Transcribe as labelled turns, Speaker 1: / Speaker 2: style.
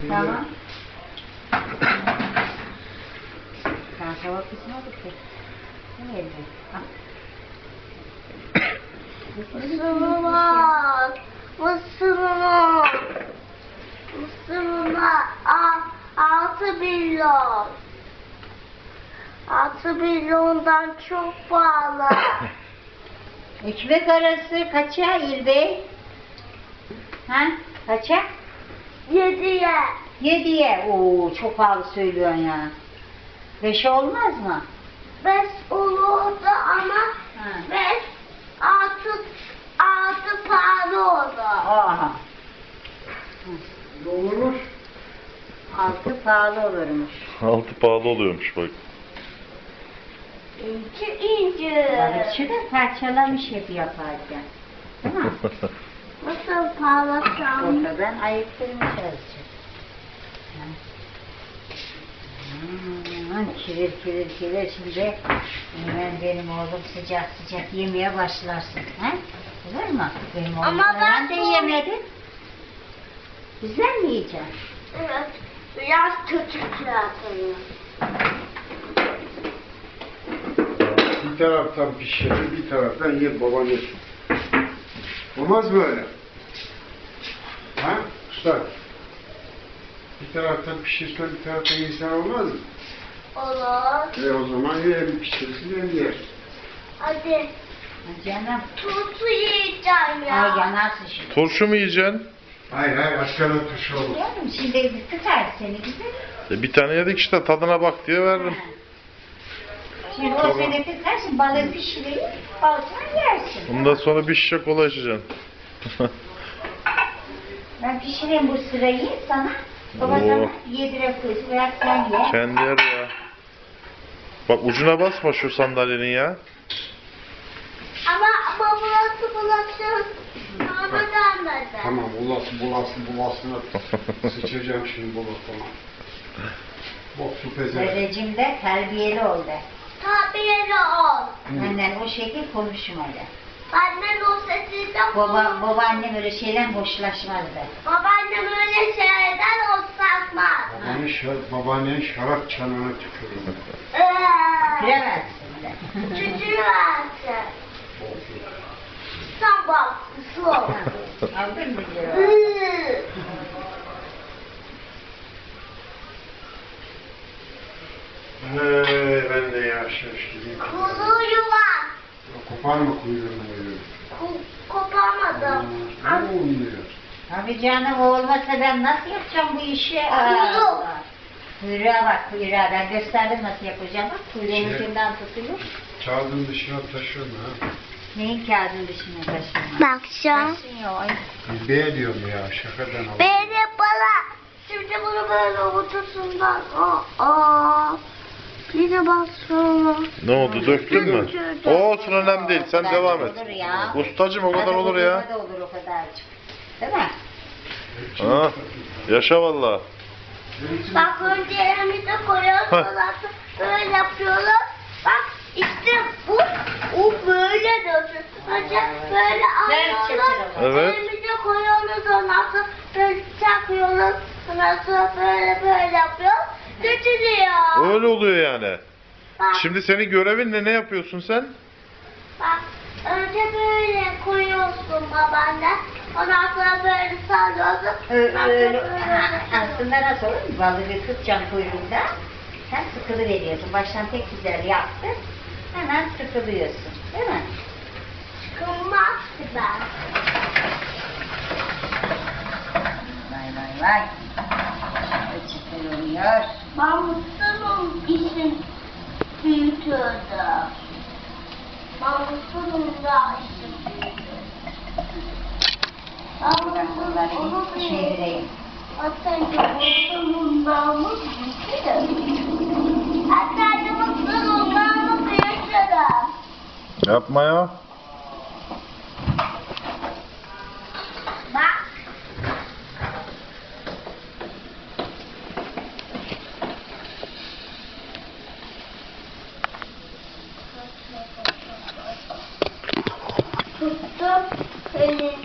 Speaker 1: Tamam. Kanka bakısına bakıyor. Ne elde?
Speaker 2: Mısırlar. Mısırlar. Mısırlar. 6 milyon. 6 milyondan çok pahalı.
Speaker 1: Ekmek arası kaça İlbey? Ha? Kaça?
Speaker 2: 7'ye.
Speaker 1: 7'ye. Oo çok pahalı söylüyorsun ya. 5 olmaz mı?
Speaker 2: 5 olurdu ama
Speaker 1: Ha.
Speaker 2: 5 6 pahalı oldu.
Speaker 1: Aha.
Speaker 3: Olurmuş.
Speaker 1: 6 pahalı olurmuş.
Speaker 4: Altı pahalı oluyormuş bak.
Speaker 2: İnci.
Speaker 1: Balıkçı da parçalamış hep yaparken. Değil mi?
Speaker 2: Nasıl pahalasam?
Speaker 1: Ortadan ayıktırmış azıcık. Kirir kirir kirir şimdi hemen benim oğlum sıcak sıcak yemeye başlarsın. He? Olur mu? Benim oğlum
Speaker 2: Ama ben
Speaker 1: de
Speaker 2: bu-
Speaker 1: yemedi. Bizden mi yiyeceksin?
Speaker 2: Evet. Biraz kötü kıyafetler.
Speaker 3: Bir taraftan pişirir, bir taraftan yer baban yer. Olmaz mı öyle? Ha? Usta. Bir taraftan pişirsen bir taraftan insan olmaz mı?
Speaker 2: Olur.
Speaker 3: O zaman ya hem pişirsin hem yer.
Speaker 2: Hadi.
Speaker 1: Canım.
Speaker 2: Turşu yiyeceğim ya.
Speaker 1: Ay yanarsın şimdi.
Speaker 4: Turşu mu yiyeceksin?
Speaker 3: Hayır hayır askara tuşu olur.
Speaker 1: Canım şimdi tutar seni güzel.
Speaker 4: Bir tane yedik işte tadına bak diye veririm.
Speaker 1: Şimdi o
Speaker 4: Tamam.
Speaker 1: seni tutar, balığı pişireyim, balıktan yersin.
Speaker 4: Ondan sonra bir şişe kola içeceksin.
Speaker 1: Ben pişireyim bu sırayı sana. Baba
Speaker 4: Oo.
Speaker 1: sana yedirip koysun veya sen ye.
Speaker 4: Kendi yer ya. Bak ucuna basma şu sandalyenin ya.
Speaker 2: Ama bulasın. Bana gelmedi.
Speaker 3: Tamam bulasın. Sıçacağım şimdi bulasına. Bok su pezevenk.
Speaker 1: Dedeciğim de terbiyeli ol de.
Speaker 2: Tabiri ol.
Speaker 1: Benden o şekil konuşmalı.
Speaker 2: Benden o sesiyle
Speaker 1: Babaannem öyle şeyden hoşlaşmaz de.
Speaker 2: Babaannem öyle şeylerden hoşlanmaz.
Speaker 3: Babaannenin şarap çanağına tükürüyor.
Speaker 1: Bilemezsin de.
Speaker 2: Çocuğu versin. Sen bak. Su.
Speaker 1: Aldın mı diyor.
Speaker 3: Ben de yaşamış gibiyim.
Speaker 2: Kuluyu var.
Speaker 3: Koparma kuyruğunu böyle.
Speaker 2: Koparmadım.
Speaker 3: Ne oluyor?
Speaker 1: Abi canım o olmasa ben nasıl yapacağım bu işi?
Speaker 2: Kuyruk.
Speaker 1: Kuyruğa bak kuyruğa. Ben gösterdim nasıl yapacağım. Bak kuyruğun ucundan tutulur.
Speaker 3: Kağıdın dışına taşıyorum ha.
Speaker 1: Neyin kağıdın dışına taşınma?
Speaker 2: Bakacağım.
Speaker 1: Taşınıyor. Ay.
Speaker 3: B diyorum ya şakadan alalım.
Speaker 2: Böyle bana. Şimdi bunu böyle ortasından. Bir de bak sonra.
Speaker 4: Ne oldu döktün mü? O olsun önemli değil sen
Speaker 1: kadar
Speaker 4: devam
Speaker 1: da
Speaker 4: et.
Speaker 1: olur ya.
Speaker 4: Ustacım o kadar
Speaker 1: Hadi
Speaker 4: olur ya.
Speaker 1: da olur o kadarcık. Değil mi?
Speaker 4: Ha, yaşa valla.
Speaker 2: Bak önce elimize koyuyoruz.
Speaker 4: Heh.
Speaker 2: Ondan sonra böyle yapıyoruz. Bak işte bu böyle dönsün. Önce böyle alıyoruz.
Speaker 4: Evet.
Speaker 2: Elimize koyuyoruz. Ondan sonra böyle çakıyoruz. Ondan sonra böyle yapıyoruz. Götürüyor.
Speaker 4: Öyle oluyor yani.
Speaker 2: Bak,
Speaker 4: Şimdi senin görevin ne yapıyorsun sen?
Speaker 2: bak. Önce böyle koyuyorsun babaanne. Ondan sonra böyle sallıyorsun. Ondan sonra
Speaker 1: Öyle.
Speaker 2: böyle.
Speaker 1: Aslında nasıl olur? Balığı tutacaksın kuyruğunda. Sen sıkılı veriyorsun. Baştan pek güzel yaptın. Hemen sıkılıyorsun. Değil mi?
Speaker 2: Kılmaz ben.
Speaker 1: Vay. Çıkılıyor.
Speaker 2: Ben mutluyum işin büyütürdü. Ben mutluyum da işin büyütürdü. Ben mutluyum onu
Speaker 1: Çevireyim.
Speaker 2: Hatta mutluyum namı büyütürdü. Hatta mutluyum namı büyütürdü.
Speaker 4: Yapma ya.
Speaker 2: Bak. Tuttum elini.